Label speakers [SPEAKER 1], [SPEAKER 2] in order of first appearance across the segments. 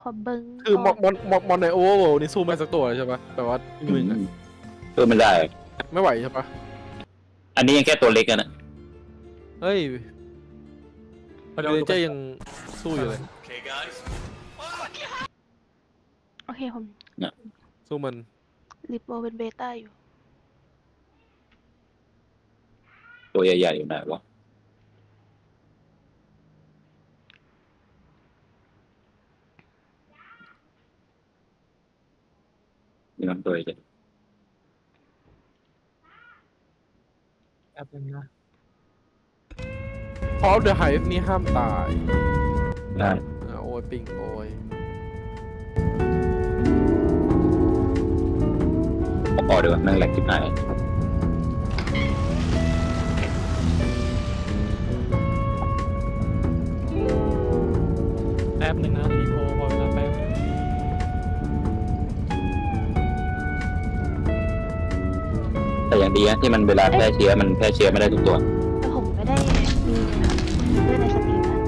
[SPEAKER 1] ขอเบิ้ง
[SPEAKER 2] คือ
[SPEAKER 1] ก่อน
[SPEAKER 2] มอนในโอเวอร์เวิลด์นี่สู้ไม่สักตัวเลยใช่ปะแต่ว่ามึงอะ
[SPEAKER 3] สู้ไม่ได้
[SPEAKER 2] ไม่ไหวใช่ปะ
[SPEAKER 3] อันนี้ยังแค่ตัวเล็กกันนะ
[SPEAKER 2] เฮ้ย
[SPEAKER 4] เดี๋
[SPEAKER 2] เร
[SPEAKER 4] ยวน
[SPEAKER 2] เจอร์ยังสู้อยู่เลย
[SPEAKER 1] โอเคผม
[SPEAKER 2] สู้มัน
[SPEAKER 1] ริปโบเป็นเบต้าอยู่
[SPEAKER 3] ตัวใหญ่ๆอยู่ไหนวะมีน้ำตัวใหญ่
[SPEAKER 4] แป๊บนึงนะ
[SPEAKER 2] พอเดอะไฮฟ์นี่ห้ามตาย
[SPEAKER 3] ได้
[SPEAKER 2] โอ้ยปิงโอ้ย
[SPEAKER 3] พอเดี๋ยวนั่งแหลกที่ไหน
[SPEAKER 4] แป๊บนึงนะรีโพพอเวลาแป๊บ
[SPEAKER 3] แต่อย่างดีนะที่มันเวลาแพร่เชื้อมันแพร่เชื้อไม่ได้ทุกตัว
[SPEAKER 1] แต่ผมไม่ได้มีนะครับเลื่อนในสตรีมนะ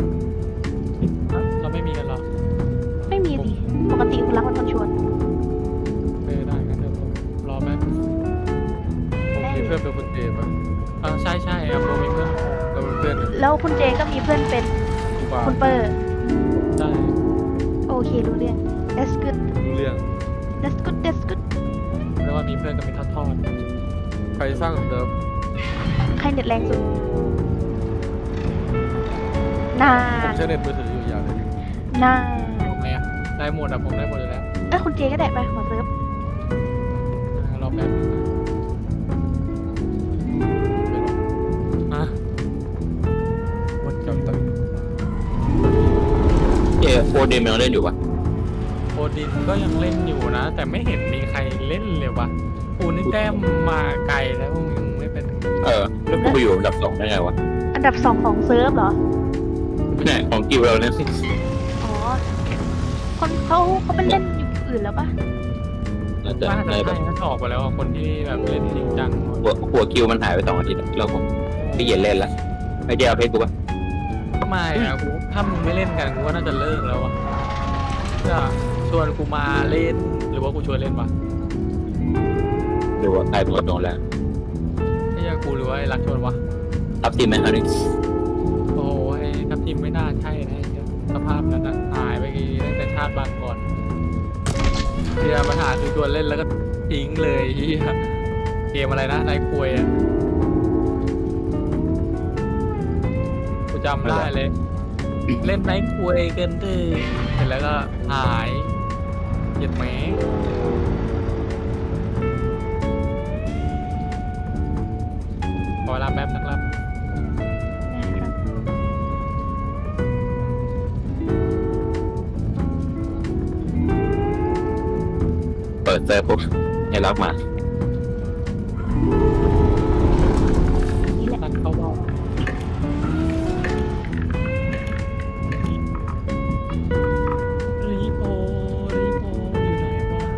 [SPEAKER 4] เราไม่มีกันหรอ
[SPEAKER 1] ไม่มีดิปกติคุณรักมันคนชวน
[SPEAKER 4] ได้กันเดี๋ยวผมรอแป๊บ
[SPEAKER 2] ผมมีเพื่อนเป็นคนเจปะ
[SPEAKER 4] ใช่ใช่ครับโรมีเพื่อน
[SPEAKER 2] เราเป็นเพื่อนกัน
[SPEAKER 1] แล้วคุณเจก็มีเพื่อนเป็น
[SPEAKER 2] กูบา
[SPEAKER 1] คุณเปอร์
[SPEAKER 4] ได้
[SPEAKER 1] โอเครู้เรื่อง that's good
[SPEAKER 2] รู้เรื่อง
[SPEAKER 1] that's good that's good
[SPEAKER 4] เรียกว่ามีเพื่อนกันเป็นทอด
[SPEAKER 2] ใครสร้างเดิม
[SPEAKER 1] ใครเน็ตแรงสุดนา
[SPEAKER 2] ผมใช้เน็ตมือถืออยู่อย่างหนึง
[SPEAKER 1] นา
[SPEAKER 4] ๆผมเนี่ยได้หมดอะผมได้หมดอยู่แล้ว
[SPEAKER 1] คุณเจก็ได้ไปขอเซิร์ฟ
[SPEAKER 4] รอแป๊บนึงนะวัน
[SPEAKER 2] จำตั้ง
[SPEAKER 3] โฟเดมยังเล่นอยู่ปะ
[SPEAKER 4] โอดินก็ยังเล่นอยู่นะ แต่ไม่เห็นมีใครเล่นเลยวะกูนี่แต้มมาไกลแล้วมึงยังไม่เป็น
[SPEAKER 3] แล้วกูไปอยู่อันดับ2ได้ไงวะ
[SPEAKER 1] อันดับ2ของเซิร์ฟเหรอ
[SPEAKER 3] เนี่ยของกิวเราเนี่ย
[SPEAKER 1] อ๋อ คนเขาไปเล่นอยู่อื่นแล้วปะ
[SPEAKER 3] น่าจะ
[SPEAKER 4] ว่า
[SPEAKER 3] ใน
[SPEAKER 4] จะ
[SPEAKER 3] แบ
[SPEAKER 4] ใช่
[SPEAKER 3] บ
[SPEAKER 4] ถ้าออกไปแล้วอะคนที่แบบเล่นจริงจัง
[SPEAKER 3] หัวกิวมันหายไป2 อาทิตย์แล้วผมพี่เย็นเล่นละไอ้เจ้าเพชรกูปะ
[SPEAKER 4] ไม่อะกูถ้ามึงไม่เล่นกันกูก็น่าจะเลิกแล้วอะจะชวนกูมาเล่นหรือว่ากูชวนเล่นวะ
[SPEAKER 3] หรือว่าใครเป็นคนโดนแล้ว
[SPEAKER 4] ไอ้ยากูหรือว่าไอ้รักชวนวะ
[SPEAKER 3] ทับทีมไหมครับนี่
[SPEAKER 4] โอ้ยทัพทีมไม่น่าใช่นะไอ้เหี้ยสภาพนั้นนะหายไปตั้งแต่ชาติบางก่อนเฮียปัญหาคือชวนเล่นแล้วก็ทิ้งเลยเฮียเกมอะไรนะนายควยอะกูจำได้เลย เล่นไนท์ควยเกินที่เสร็จแล้วก็หายเหยียดแหมขอเวลาแป๊บนะครับ
[SPEAKER 1] นะครับ
[SPEAKER 3] เปิดเซิร์ฟปุ๊บให้รับมา
[SPEAKER 1] นี่แหละ
[SPEAKER 4] ตันเข้าเบ้ารีโพอยู่ไหนวะ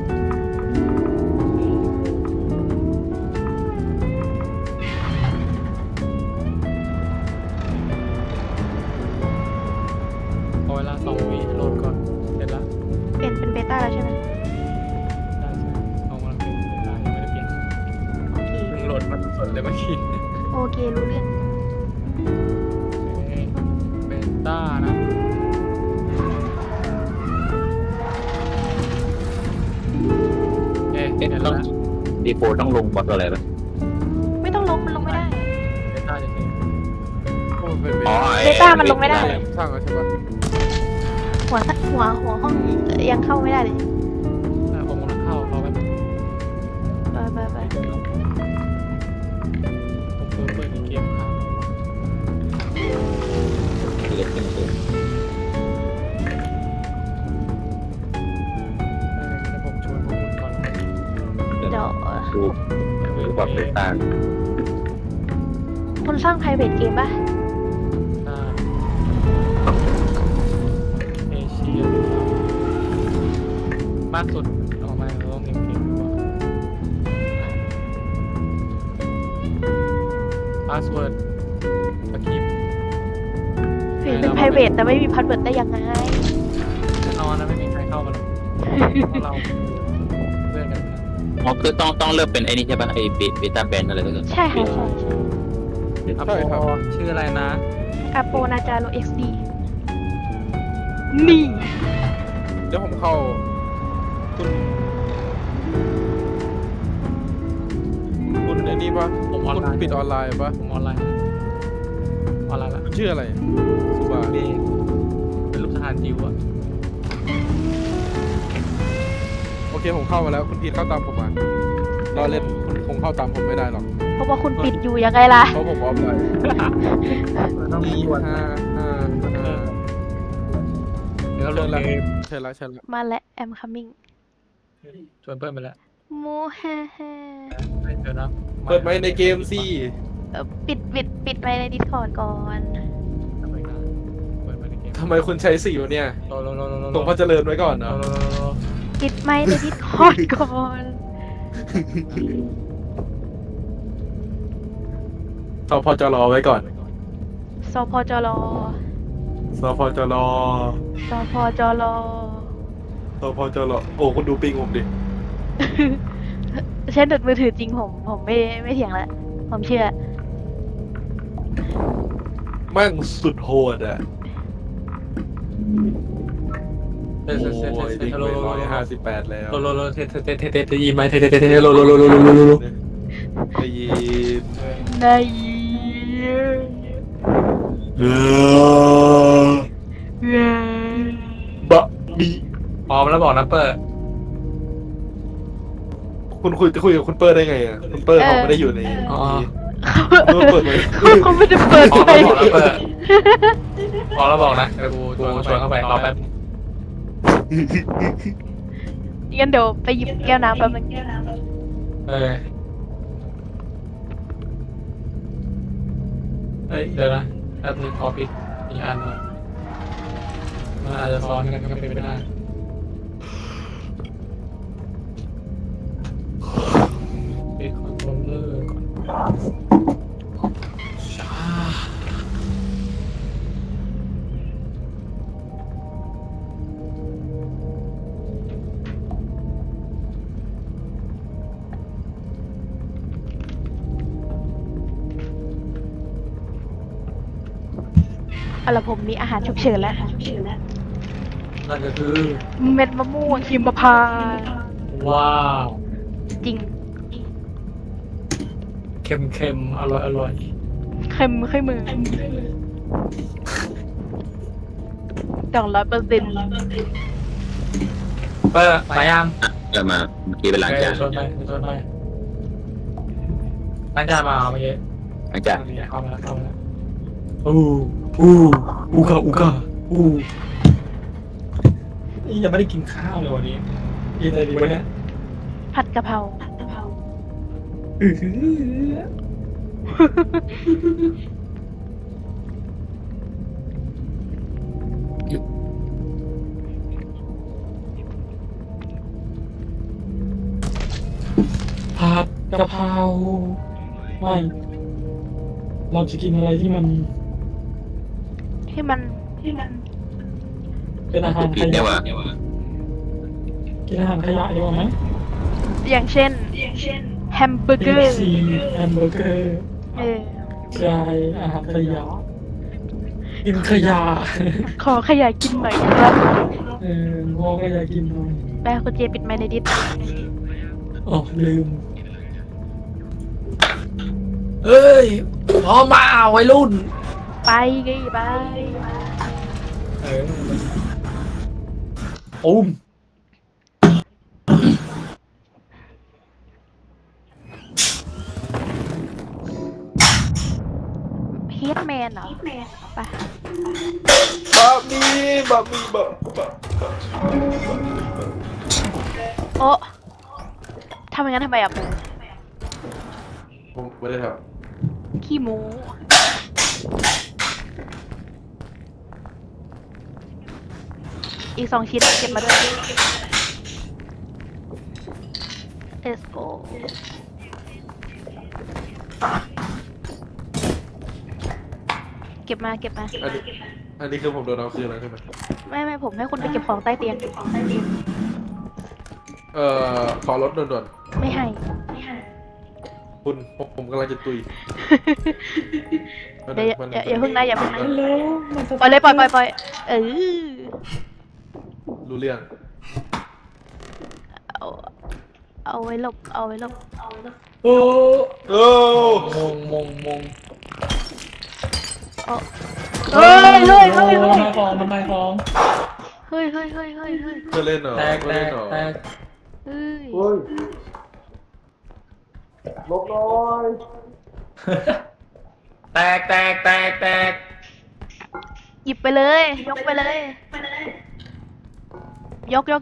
[SPEAKER 4] ขอเวลา2 วิโหลดก่อนเสร็จแล้ว
[SPEAKER 1] เปลี่ยนเป็นเบต้าแล้วใช่ไหม
[SPEAKER 4] ได้ใช่เอากำลังเป็นได้ยังไม่ได้เปลี่ยน
[SPEAKER 1] โอเค
[SPEAKER 4] เพิ่งโหลดมาสดๆเลยเมื่อกี้
[SPEAKER 1] โอเครู้เรื่อง
[SPEAKER 4] เบต้านะเห็นแล้ว
[SPEAKER 3] ต้อง
[SPEAKER 4] นะ
[SPEAKER 3] ดีโฟต้องลงบอทอะไรปะ
[SPEAKER 1] ไม่ต้องลงมันลงไม่ได้
[SPEAKER 4] เบต้าจะเห็น
[SPEAKER 2] โอ้เป็น
[SPEAKER 3] อ๋อ
[SPEAKER 1] เบต้ามันลงไม่ได้
[SPEAKER 2] สร้างแล้วใช่ปะ
[SPEAKER 1] หัวห้องยังเข้าไม่ได้เลย
[SPEAKER 4] ผมกำลังเข้าเขาแบบ
[SPEAKER 1] ไป
[SPEAKER 4] ผมเปิดเกมค้าง
[SPEAKER 3] เล็กจริง
[SPEAKER 4] เดี๋ยวผมชวนพวกคุณก่อน
[SPEAKER 3] ๆ
[SPEAKER 1] เดี๋ยว
[SPEAKER 3] ดูแบบเป็นต่าง
[SPEAKER 1] คนสร้าง private game ป่ะ
[SPEAKER 4] เอเชียมากสุดออกมาเราต้องเกมดีกว่าพาสเวิร์ดสคริปต์
[SPEAKER 1] ถึงเป็น private แต่ไม่มี password ได้ยังไง
[SPEAKER 4] เพราะเราเพื่อนกันนะ
[SPEAKER 3] อ๋อคือต้องเริ่มเป็นไอ้นี่ใช่ป่ะไอ้เบต้าแบนอะไรตัวนั้น
[SPEAKER 1] ใช่ค่ะใช่
[SPEAKER 4] อา
[SPEAKER 2] ใช่ครับ
[SPEAKER 4] โปชื่ออะไรนะ
[SPEAKER 1] อาโปนาจาโร XD นี่
[SPEAKER 2] เดี๋ยวผมเข้าคุณไอ้นี่ปะ
[SPEAKER 4] ผมออน
[SPEAKER 2] คุณ
[SPEAKER 4] ไลน์
[SPEAKER 2] ปิดออนไลน์ปะ
[SPEAKER 4] ผมออนไลน์ละ
[SPEAKER 2] คุณชื่ออะไรสุบา
[SPEAKER 4] เบงเป็นลูกทหารจิ๋วอะ
[SPEAKER 2] โอเคผมเข้ามาแล้วคุณพีทเข้าตามผมมารอเล่นคุณคงเข้าตามผมไม่ได้หรอก
[SPEAKER 1] เพราะว่าคุณปิดอยู่ยังไงล่ะ
[SPEAKER 2] เพราะผมออฟไลน์
[SPEAKER 4] ต้องมี
[SPEAKER 2] 5
[SPEAKER 4] วัน เดี๋ยวเราลงเกม
[SPEAKER 2] ใช่แล้วใช่แล้ว
[SPEAKER 1] มาและ I'm coming
[SPEAKER 4] ชวนเพื่อนไปแล้ว
[SPEAKER 1] โมแฮ่แฮ่
[SPEAKER 4] ไม่เจอนะ
[SPEAKER 2] เปิดไมค์ในเกมสิ
[SPEAKER 1] ปิดไปใน Discord ก่อน
[SPEAKER 4] เปิดไปในเกม
[SPEAKER 2] ทำไมคุณใช้สีวะเนี่ย
[SPEAKER 4] โล
[SPEAKER 2] ตรงพระเจริญไว้ก่อนนะ
[SPEAKER 1] ปิดไมค์ใน Discord ก่อน
[SPEAKER 2] สพจรไว้ก่อน
[SPEAKER 1] สพจร
[SPEAKER 2] สพจร
[SPEAKER 1] สพจร
[SPEAKER 2] สพจรโอ้คุณดูปิงผมดิ
[SPEAKER 1] เช่นดุดมือถือจริงผมไม่เถียงแล้ว ผมเชื่อ
[SPEAKER 2] แม่งสุดโหดอ่ะ
[SPEAKER 4] เทส
[SPEAKER 2] โอ้
[SPEAKER 4] เทสเท
[SPEAKER 2] ย
[SPEAKER 4] ส
[SPEAKER 2] ดิ้ง
[SPEAKER 4] โล
[SPEAKER 2] ไป
[SPEAKER 4] โล
[SPEAKER 2] 158แล้ว
[SPEAKER 4] โลเทสยินไหมเทสโลโล
[SPEAKER 2] ได้ยิน
[SPEAKER 1] ใน
[SPEAKER 2] บะบี
[SPEAKER 4] พร้อมแล้วบอกนะเปิด
[SPEAKER 2] คุณจะคุยกับคุณเปิร์ได้ไงอ่ะคุณเปิร์เขาไม่ได้อยู่ในนี้คุณเปิดไหม
[SPEAKER 1] เขาไม่ได้เปิด
[SPEAKER 4] พร้อม
[SPEAKER 1] ไฟ
[SPEAKER 4] แล้วบอกนะเปิดพร้อมแล้วบอกนะเดี๋ยวกูชวนเข้าไปรอแป๊บ
[SPEAKER 1] งั้นเดี๋ยวไปหยิบแก้วน้ำแป๊บนึง
[SPEAKER 4] เฮ้ยเดี๋ยวนะแป๊บนึงขอปิดอีกอันนึงมันอาจจะซ้อนกันก็เป็นไปได้ปิดคอนโทรลเลอร์ก่อนช้า
[SPEAKER 1] เอาละผมมีอาหารฉุกเฉินแล้ว
[SPEAKER 4] นั่นก็คือ
[SPEAKER 1] เม็ดมะม่วงหิมพานต์
[SPEAKER 4] ว้าว
[SPEAKER 1] จริง
[SPEAKER 4] เค็มอร่อย
[SPEAKER 1] เค็มขึ้นมือ200%
[SPEAKER 4] เปิดไปยัง
[SPEAKER 3] เริ่มมาเมื่อกี้เป็นล้างจาน
[SPEAKER 4] ชวนไปล้างจานมาเมื่อกี้
[SPEAKER 3] ล้างจาน
[SPEAKER 4] เข้ามาแล้วอูกะนี่ยังไม่ได้กินข้าวเลยวันนี้กินอะไรดีวะเนี่ย
[SPEAKER 1] ผัดกะเพรา
[SPEAKER 4] ผัดกะเพราไม่เราจะกินอะไรที่มัน
[SPEAKER 1] ที่มัน
[SPEAKER 4] เป็นอาหาร
[SPEAKER 3] ผิ
[SPEAKER 4] ข
[SPEAKER 3] ดเนี่ย
[SPEAKER 4] ยะ
[SPEAKER 3] ว่ะ
[SPEAKER 4] กินอาหารขยะดีกว่าไหม
[SPEAKER 1] อย่างเช่น แฮมเบอร์เกอร์
[SPEAKER 4] ซีแฮมเบอร์เกอร์
[SPEAKER 1] เออ
[SPEAKER 4] ใช่อาหารขยะกินขยะ
[SPEAKER 1] ขอขยายกินหน่อยครับ
[SPEAKER 4] พ่อก็อยากกินหน่อย
[SPEAKER 1] ไปคุณเจปิดไมค์ในดิส
[SPEAKER 4] อ๋อลืมเอ้ยพร้อมมาวัยรุ่น
[SPEAKER 1] ไปไงไป
[SPEAKER 4] อุ้ม
[SPEAKER 1] เฮดแมนเหรอ ไป
[SPEAKER 2] บะบีบะบีบะ
[SPEAKER 1] โอ้ทำอย่างนั้นทำไมอ่ะปู
[SPEAKER 2] ผมไม่ได้ท
[SPEAKER 1] ขี้หมู อีก2 ชิ้นเก็บมาด้วย let's go เก็บมา
[SPEAKER 2] อันนี้คือผมโดนเอาคืนแล้วใช่ไหม
[SPEAKER 1] ไม่ผมให้คุณไปเก็บของใต้เตียง
[SPEAKER 2] ขอรถด่วน
[SPEAKER 1] ไม่ให้
[SPEAKER 2] ๆคุณผมกำลังจะตุย
[SPEAKER 1] อย่าเพิ่งนะอย่าเพิ่งนะ
[SPEAKER 4] ฮัลโหลมันจะ
[SPEAKER 1] ปล่อยเลยปล่อยเออ
[SPEAKER 2] รู้เรื่อง
[SPEAKER 1] เอาไว้หลบเอาไว้หลบ
[SPEAKER 4] โอ้
[SPEAKER 2] โอ้
[SPEAKER 4] มง
[SPEAKER 1] เฮ้ย
[SPEAKER 4] ทำไมของ
[SPEAKER 1] เฮ้ย
[SPEAKER 2] เพื่อเล่นเหรอ
[SPEAKER 4] แตก
[SPEAKER 2] เพื่อเล่นเหรอ
[SPEAKER 1] เฮ้ย
[SPEAKER 2] เฮ้ยลบน้อย
[SPEAKER 4] แตก
[SPEAKER 1] หยิบไปเลย ยกไปเลย ยก
[SPEAKER 4] ย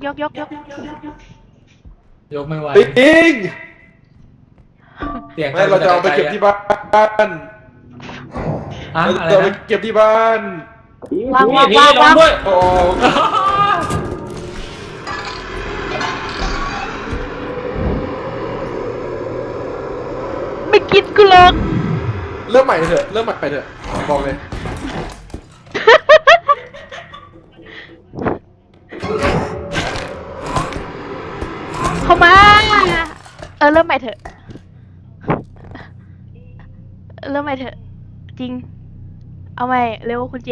[SPEAKER 4] กไม่ไหว
[SPEAKER 2] ปิง
[SPEAKER 4] เสียง
[SPEAKER 2] ไม่เราจะเอาไปเก็บที่บ้าน
[SPEAKER 4] อะ
[SPEAKER 2] เรา
[SPEAKER 4] อะไร
[SPEAKER 2] จะเอาไป
[SPEAKER 4] นะ
[SPEAKER 2] เก็บที่บ้าน
[SPEAKER 1] วาง
[SPEAKER 4] พี่ลงด้วย
[SPEAKER 2] โอ้
[SPEAKER 1] ไม่กินกูหรอก
[SPEAKER 2] เริ่มใหม่เถอะบอกเลย
[SPEAKER 1] เข้ามา เริ่มใหม่เถอะ จริง เอาใหม่เร็วคุณเจ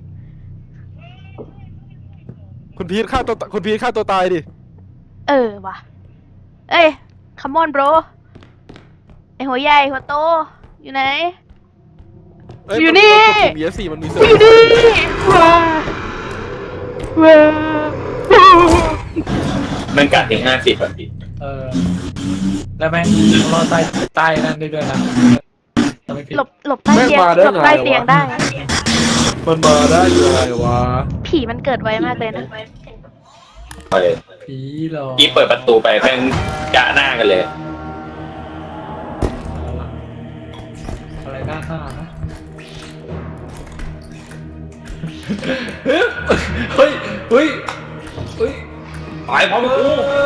[SPEAKER 2] คุณพีทฆ่าตัวตายดิ
[SPEAKER 1] ว่ะ เอ้ย come on bro ไอหัวใหญ่หัวโต อยู่ไหน
[SPEAKER 2] เอ้ย
[SPEAKER 1] อยู่นี่
[SPEAKER 2] ปุ่ม ESC มันมีเสื
[SPEAKER 1] อยู่นี่ว้า
[SPEAKER 3] มันกัดถึง50แบบนี้
[SPEAKER 4] แล้วแม่งรอใต้นั่นได้ด้วยนะไม่ผิด
[SPEAKER 1] หลบใต้เตียงหลบใต้เตียงได้
[SPEAKER 2] มันมาได้ยังไงวะ
[SPEAKER 1] ผีมันเกิดไวมากเลยนะ
[SPEAKER 3] ไปเลย
[SPEAKER 4] ผีหรอ
[SPEAKER 3] กี้เปิดประตูไปแม่งจะหน้ากันเลย
[SPEAKER 4] อะไรหน้านะเฮ้ย
[SPEAKER 3] ไปพร้อมกู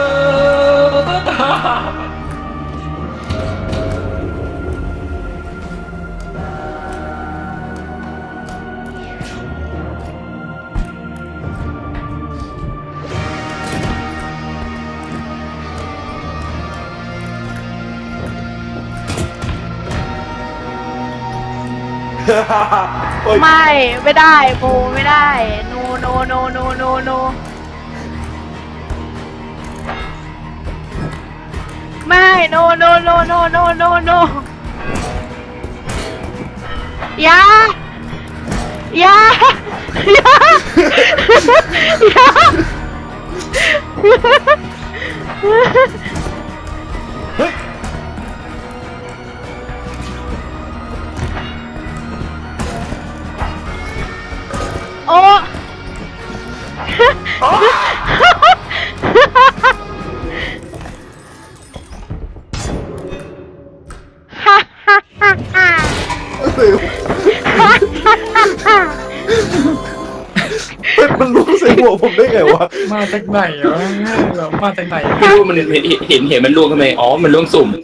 [SPEAKER 1] ไม่ได้โบไม่ได้ no no no no no no ไม่ no no no no no no no อย่าอย่าอย่าอย่าโอ้ฮ่าฮ่าฮ่าฮ่า
[SPEAKER 2] มันรู้ใส่หัวผมได้ไงวะ
[SPEAKER 4] มาจากไหนวะแบบมาจากไหน
[SPEAKER 3] ไม่รู้มันเห็นมันล่วงทำไมอ๋อมันล่วงสุ่ม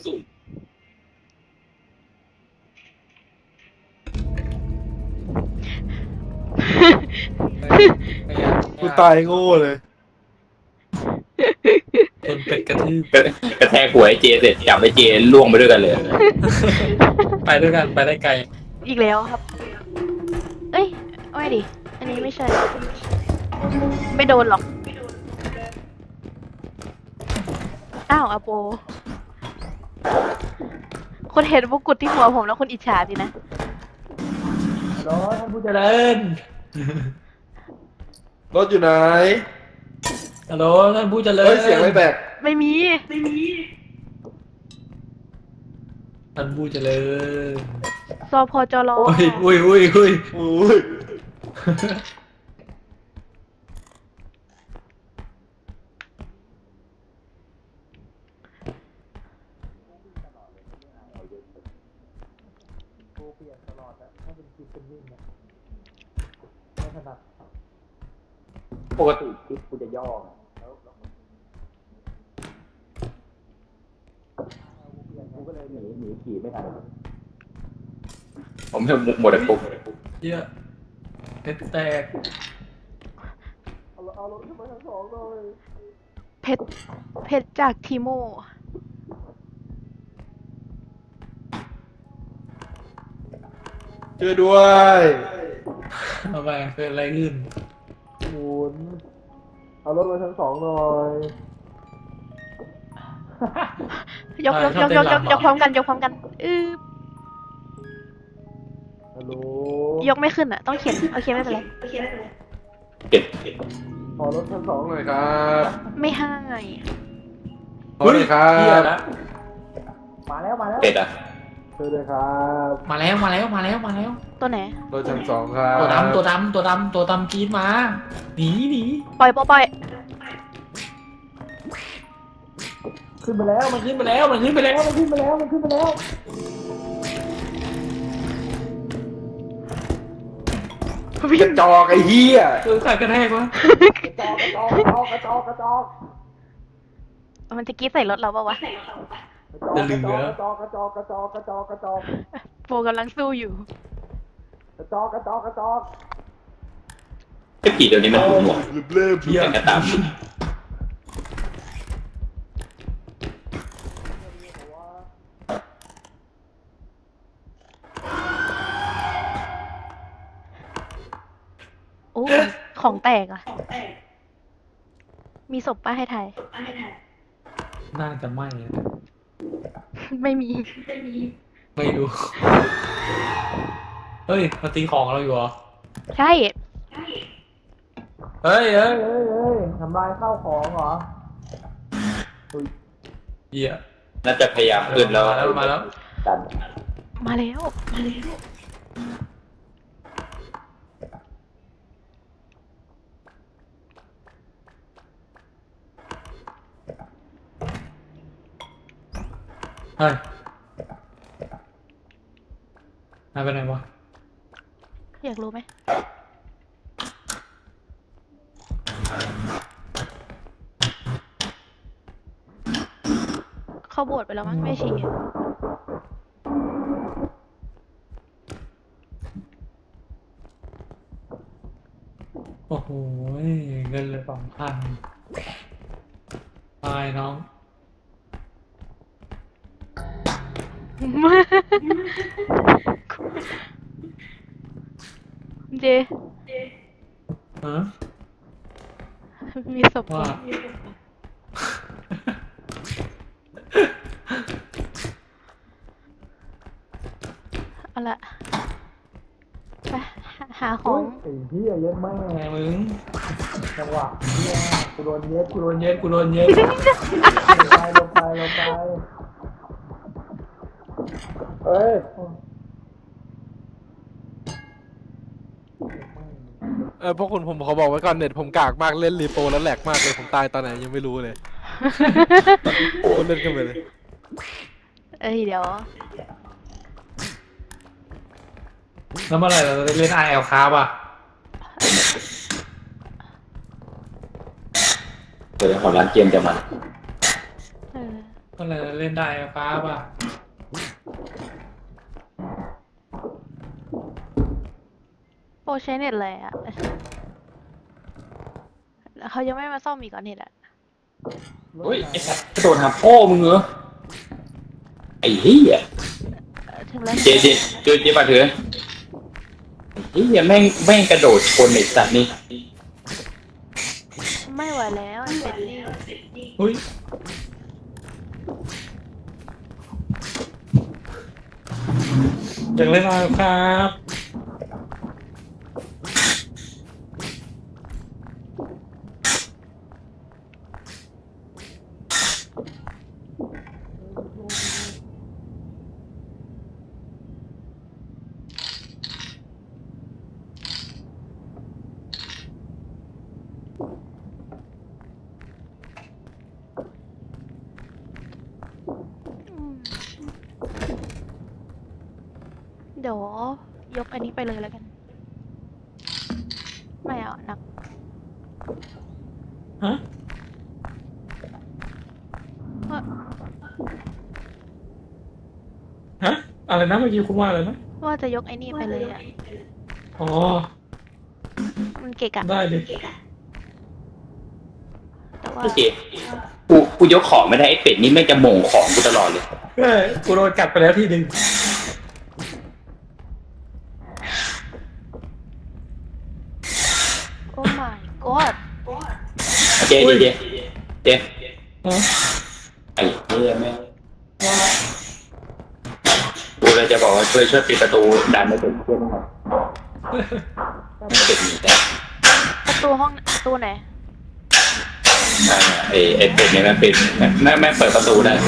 [SPEAKER 2] กูตายโง่เลย
[SPEAKER 4] จนเป็ดกระทืบ
[SPEAKER 3] กระแทกหัวไอ้เจเสร็จจับไอ้เจล่วงไปด้วยกันเลย
[SPEAKER 4] ไปด้วยกันไปได้ไกล
[SPEAKER 1] อีกแล้วครับ เอ้ยไม่ดิ อันนี้ไม่ใช่ ไม่โดนหรอก อ้าวอาโป คนเห็นมงกุฎที่หัวผมแล้วคนอิจฉาสินะ
[SPEAKER 4] รอท่านผู้เจริญ
[SPEAKER 2] รถอยู่ไหน
[SPEAKER 4] ฮัลโหลท่านผู้เจริญ
[SPEAKER 2] เฮ้ยเสียงอะไรแตก
[SPEAKER 1] ไม่มี
[SPEAKER 4] ท่านผู้เจริญ
[SPEAKER 1] ซอพอจรอ
[SPEAKER 4] อุ้ย
[SPEAKER 2] อุ้ย
[SPEAKER 3] ปกติคลิปกูจะย่อกูก็เลยหนีขี่ไม่ทันผมเพิ่มหมดเลยปุ๊บ
[SPEAKER 4] เยอะเพชรแตก
[SPEAKER 2] เอารถขึ้นมาชั้น2เลย
[SPEAKER 1] เพชรเพชรจากทีโม
[SPEAKER 2] ช่วยด้วย
[SPEAKER 4] ทำไมเกิดอะไรขึ้น
[SPEAKER 2] หมุนเอารถมาชั้น 2หน่อย
[SPEAKER 1] ยกพร้อมกันยกพร้อมกัน
[SPEAKER 2] ฮัลโหล
[SPEAKER 1] ยกไม่ขึ้นอ่ะ ต้องเขียนโอเคไม่เป็นไร
[SPEAKER 3] เก็บ
[SPEAKER 2] ขอรถชั้น 2หน่อยครับ
[SPEAKER 1] ไม่ให้
[SPEAKER 2] ขอเลยครั
[SPEAKER 4] เหี้ย
[SPEAKER 2] บ
[SPEAKER 4] ละ
[SPEAKER 3] เป็ดอ่ะ
[SPEAKER 2] ช่วยด้วยครับ
[SPEAKER 4] มาแล้ว
[SPEAKER 1] ตัวไหน
[SPEAKER 2] รถชั้น 2ครับ
[SPEAKER 4] ตัวดำกรีดมาหนี
[SPEAKER 1] ปล่อย
[SPEAKER 4] ขึ้นไปแล้วมันขึ้นไปแล้ว
[SPEAKER 2] กระจอกไอ้เหี้ย
[SPEAKER 4] เออใครกระแทกวะ
[SPEAKER 1] มันจะกรีดใส่รถเราปะวะ
[SPEAKER 4] จะเหลือ
[SPEAKER 1] โฟกำลังสู้อยู่
[SPEAKER 3] ไอ้ผีเดี๋ยวนี้มันหูหนวก
[SPEAKER 4] เหี้ย
[SPEAKER 3] แต่ก็ตาม
[SPEAKER 1] โอ้ ของแตกอ่ะ มีศพป้าให้ไทย
[SPEAKER 4] น่าจะไม่นะ
[SPEAKER 1] ไม่มี
[SPEAKER 4] ไม่รู้เฮ้ยมาตีของเราอยู่เหรอ
[SPEAKER 1] ใช่
[SPEAKER 4] เฮ้ยทำลายข้าวของเหรอเหี้ย
[SPEAKER 3] น่าจะพยายามขึ้นแล้ว
[SPEAKER 4] มาแล้ว
[SPEAKER 3] ดัน
[SPEAKER 1] มาแล้ว
[SPEAKER 4] เฮ้ยนายไปไหนวะ
[SPEAKER 1] อยากรู้ไหม เข้าโบสถ์ไปแล้วมั้งไม่ชี
[SPEAKER 4] โอ้โหเงินเลย2,000ตายน้อง
[SPEAKER 1] เจ
[SPEAKER 4] ฮะ
[SPEAKER 1] มีศพ
[SPEAKER 4] ว่า
[SPEAKER 1] เอาละไปหาของ
[SPEAKER 4] ไอ้เหี้ยเย็ดแม่มึงจังหวะเหี้ยกูโดนเย็ดลงไปเอ้ย
[SPEAKER 2] พวกคุณผมขอบอกไว้ก่อนเน็ตผมกากมากเล่นรีโปรแล้วแหลกมากเลยผมตายตอนไหนยังไม่รู้เลยคุณเล่นกันไปเลย
[SPEAKER 1] เดี๋ยว
[SPEAKER 4] แล้วเมื่อไหร่เราจะได้เล่น IL ครับอ่ะ
[SPEAKER 3] เดี๋ยวของร้านเกมจะมา
[SPEAKER 4] เมื่อไหร่จะเล่นได้ IL ครับอ่ะ
[SPEAKER 1] โปรใช้เน็ตเลยอ่ะเขายังไม่มาซ่อมอีกก่อนเน็ตอ่ะ
[SPEAKER 3] เฮ้ยไอ้สัตว์กระโดดหาพ่อมึงเหรอไอ้เหี้ย
[SPEAKER 1] ถึงแล้ว
[SPEAKER 3] เจ๊มาเถอะไอ้เหี้ยแม่งกระโดดชนไอ้สัตว์นี่
[SPEAKER 1] ไม่ไหวแล้วมันเป็นนี่
[SPEAKER 4] อุ้ยอยากเล่น IL ครับ
[SPEAKER 1] เดี๋ยวยกอันนี้ไปเลยแล้วกัน ไม่เอาหนัก
[SPEAKER 4] ฮะ ฮะ อะไรนะเมื่อกี้คุณว่าอะไรนะ
[SPEAKER 1] ว่าจะยกไอ้นี่ไปเลยอ่ะ
[SPEAKER 4] อ๋อ
[SPEAKER 1] มันเกะกะ
[SPEAKER 4] ได้เลย
[SPEAKER 1] แต่ว่า
[SPEAKER 3] โอเคกูยกของไม่ได้ไอ้เป็ดนี่แม่งจะโหม่งของกูตลอดเลย
[SPEAKER 4] กูโดนกัดไปแล้วทีหนึ่ง
[SPEAKER 1] โอ้ my god
[SPEAKER 3] เจ๊ไอ้เนี่ยแม่งกูเลยจะบอกว่าช่วยปิดประตูดันไม่เป็นเพื่อนหน่อยไม่เป็นหนีได้
[SPEAKER 1] ประตูห้องประตูไหน
[SPEAKER 3] ไอ้เป็ดเนี่ยมันเป็นแม่เปิดประตูได้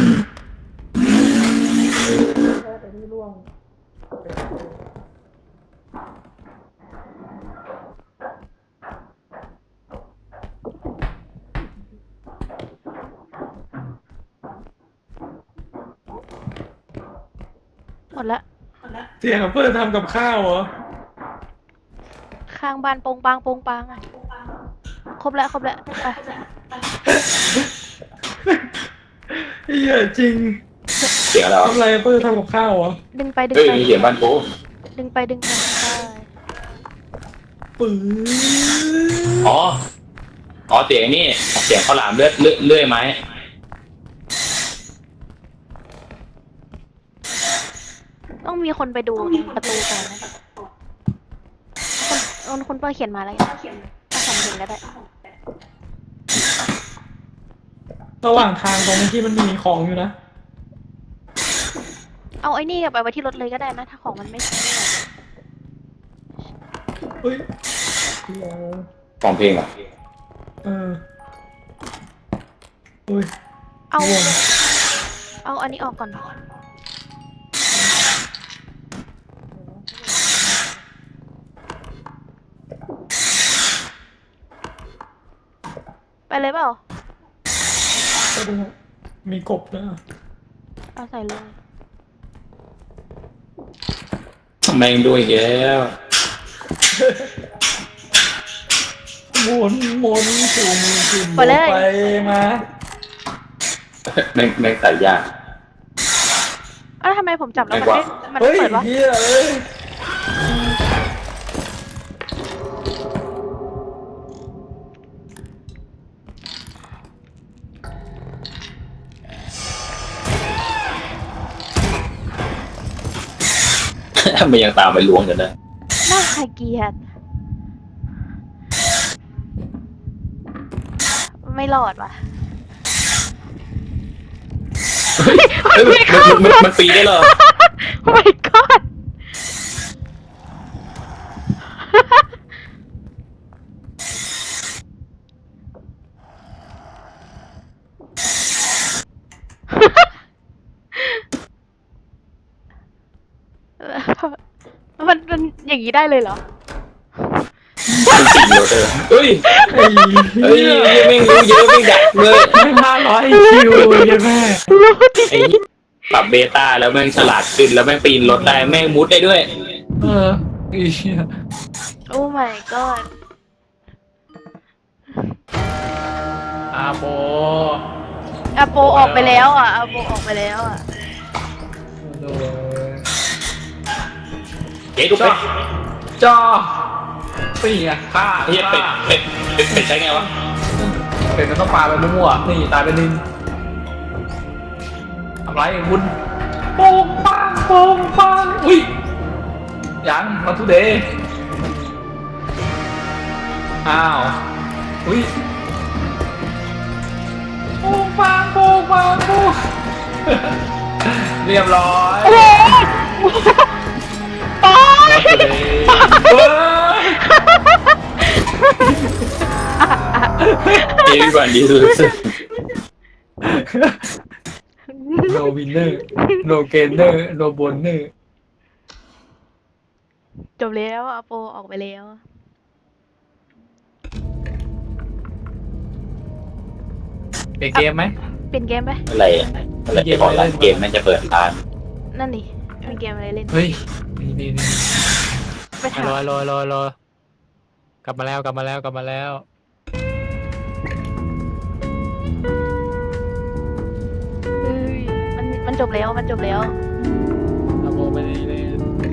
[SPEAKER 1] หมดละ
[SPEAKER 4] เสียงเพื่อนทำกับข้าวเหรอ
[SPEAKER 1] ข้างบ้านโปงปังอ่ะครบแล้วไป
[SPEAKER 4] เหี้ยจริง
[SPEAKER 3] เสียงอะไรวะ
[SPEAKER 4] ทำอะไรเพื่อนทำกับข้าวเหรอ
[SPEAKER 1] ดึงไป
[SPEAKER 3] เฮ้ยมีเสียงบ้านกู
[SPEAKER 1] ดึงไปใช่
[SPEAKER 4] ปื้
[SPEAKER 3] อ๋อเสียงนี่เสียงข้าวหลามเลื่อยไม้
[SPEAKER 1] ต้องมีคนไปดูประตูก่อนนะคนเปิดเขียนมาแล้วถ้าทำถึงก็ได้
[SPEAKER 4] ระหว่างทางตรงนี้ที่มันมีของอยู่นะ
[SPEAKER 1] เอาไอ้นี่ไปไว้ที่รถเลยก็ได้นะถ้าของมันไม่ใช่
[SPEAKER 4] เฮ้ย
[SPEAKER 3] ฟังเพลงเหรอ
[SPEAKER 4] เฮ้ย
[SPEAKER 1] เอาอันนี้ออกก่อนไปเลยเปล่า
[SPEAKER 4] ก็ดูมีกบนะ
[SPEAKER 1] เอาใส่เลย
[SPEAKER 3] แม่งด้วยอีกแล้ว
[SPEAKER 4] หมุนสุ่มไปมา
[SPEAKER 3] แม่งใส่ยาก
[SPEAKER 1] อ้าวทำไมผมจับแล้วมัน
[SPEAKER 4] เฮ้ย
[SPEAKER 1] เปิดวะ
[SPEAKER 4] เฮียเอ้ย
[SPEAKER 3] มันยังตามไปล้วงกันได้
[SPEAKER 1] น่าเกลียดไม่รอดว่ะ
[SPEAKER 3] มันปีได้เหรอ
[SPEAKER 1] โอ้ my god มันอย่างนี้ได้เลยเหรอ
[SPEAKER 3] มันปีโรเตอร์เฮ้ยแม่งรู้เยอะแม่งดักเลย
[SPEAKER 4] 500 คิวยังแม่
[SPEAKER 3] ไอ้ปรับเบต้าแล้วแม่งฉลาดขึ้นแล้วแม่งปีนรถได้แม่งมุดได้ด้วย
[SPEAKER 4] ไอ้เหี้ย
[SPEAKER 1] โอ้ my god
[SPEAKER 4] อาโป
[SPEAKER 1] อาโปออกไปแล้วอ่ะอาโปออกไปแล้วอ่ะ
[SPEAKER 4] โดน
[SPEAKER 3] เจ๊ดูเป็ด
[SPEAKER 4] จ้าปีอ่ะฆ่า
[SPEAKER 3] เฮียเป็ดใช้ไงวะ
[SPEAKER 4] เป็ดมันต้องปาไปมั่วๆนี่ตายไปนินทำไรไอ้บุญโป่งปังอุ้ยยังมาทุเดย์อ้าวอุ้ยโป่งปังเรียบร้อย
[SPEAKER 1] โอ้โหปอ
[SPEAKER 4] มาทุเดย์เฮ้ย
[SPEAKER 3] Everyone loses
[SPEAKER 4] no winner no gainer no bonus
[SPEAKER 1] จบแล้วอาโปออกไปแล้ว
[SPEAKER 4] เป็นเกมไหม
[SPEAKER 1] เป็นเกมไหม
[SPEAKER 3] อะไรเกมออนไลน์เกมมันจะเปิดร้าน
[SPEAKER 1] นั่นดิมีเกมอะไรเล่น
[SPEAKER 4] เฮ้ยนี่
[SPEAKER 1] ไปถาม
[SPEAKER 4] รอกลับมาแล้ว
[SPEAKER 1] เฮ้ยมันจบแล้ว
[SPEAKER 4] อาโบไม่ได้เล่น